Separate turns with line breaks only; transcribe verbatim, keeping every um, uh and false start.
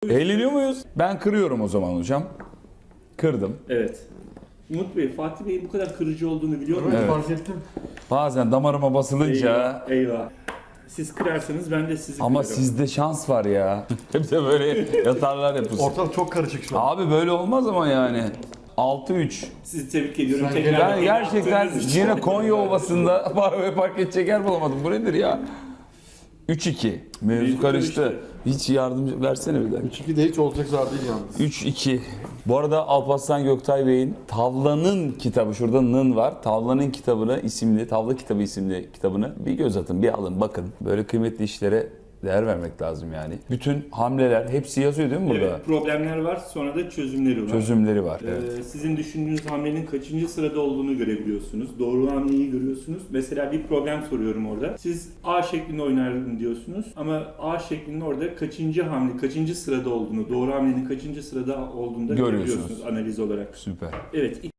muyuz?
Eğleniyor muyuz? Ben kırıyorum o zaman hocam. Kırdım.
Evet. Umut Bey, Fatih Bey'in bu kadar kırıcı olduğunu biliyor musunuz?
Evet.
Fark ettim.
Bazen damarıma basılınca...
Eyvah, eyvah. Siz kırarsanız ben de sizi
Ama
kırarım.
sizde şans var ya. Hep de böyle yatarlar yapıyorsun.
Ortalık çok karışık şu an.
Abi böyle olmaz ama yani. altı üç.
Sizi tebrik ediyorum.
Sen
Tekrar
Ben
beni
gerçekten
yaptığınız için.
yine Konya Ovası'nda park park edecek yer bulamadım. Bu nedir ya? üç iki. Mevzu
Mevzu
karıştı.
karıştı.
Hiç yardımcı versene bir dakika.
üç iki de hiç olacak zar değil yalnız.
üç iki. Bu arada Alparslan Göktay Bey'in Tavlanın kitabı, şurada nın var. Tavlanın kitabını isimli, Tavla kitabı isimli kitabını bir göz atın, bir alın, bakın. Böyle kıymetli işlere değer vermek lazım yani. Bütün hamleler hepsi yazıyor değil mi burada?
Evet, problemler var, sonra da çözümleri var.
Çözümleri var. Evet.
Ee, sizin düşündüğünüz hamlenin kaçıncı sırada olduğunu görebiliyorsunuz. Doğru hamleyi görüyorsunuz. Mesela bir problem soruyorum orada. Siz A şeklinde oynarım diyorsunuz ama A şeklinde orada kaçıncı hamle, kaçıncı sırada olduğunu, doğru hamlenin kaçıncı sırada olduğunu da
Görüyorsunuz.
görebiliyorsunuz analiz olarak.
Süper.
Evet.